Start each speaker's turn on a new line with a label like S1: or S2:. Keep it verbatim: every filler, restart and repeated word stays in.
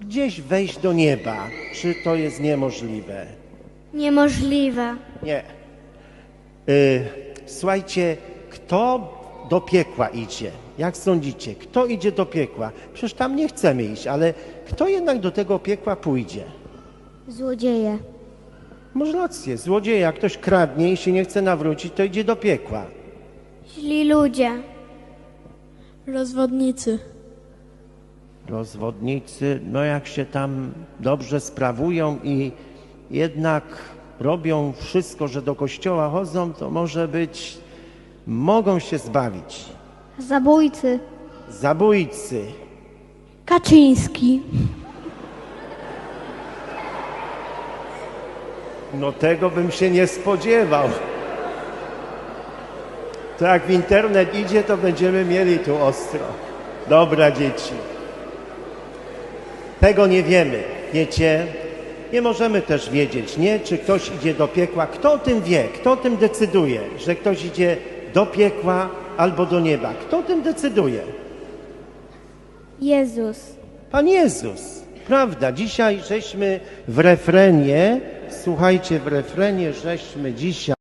S1: gdzieś wejść do nieba. Czy to jest niemożliwe?
S2: Niemożliwe.
S1: Nie. Y, słuchajcie, kto do piekła idzie? Jak sądzicie? Kto idzie do piekła? Przecież tam nie chcemy iść, ale kto jednak do tego piekła pójdzie?
S2: Złodzieje.
S1: Może rację, złodzieje, jak ktoś kradnie i się nie chce nawrócić, to idzie do piekła.
S2: Źli ludzie.
S3: Rozwodnicy.
S1: Rozwodnicy, no jak się tam dobrze sprawują i jednak robią wszystko, że do kościoła chodzą, to może być, mogą się zbawić.
S2: Zabójcy.
S1: Zabójcy.
S2: Kaczyński.
S1: No tego bym się nie spodziewał. To jak w internet idzie, to będziemy mieli tu ostro. Dobra, dzieci. Tego nie wiemy, wiecie? Nie możemy też wiedzieć, nie? Czy ktoś idzie do piekła. Kto o tym wie? Kto o tym decyduje, że ktoś idzie do piekła albo do nieba? Kto o tym decyduje?
S2: Jezus.
S1: Pan Jezus. Prawda, dzisiaj żeśmy w refrenie, słuchajcie, w refrenie żeśmy dzisiaj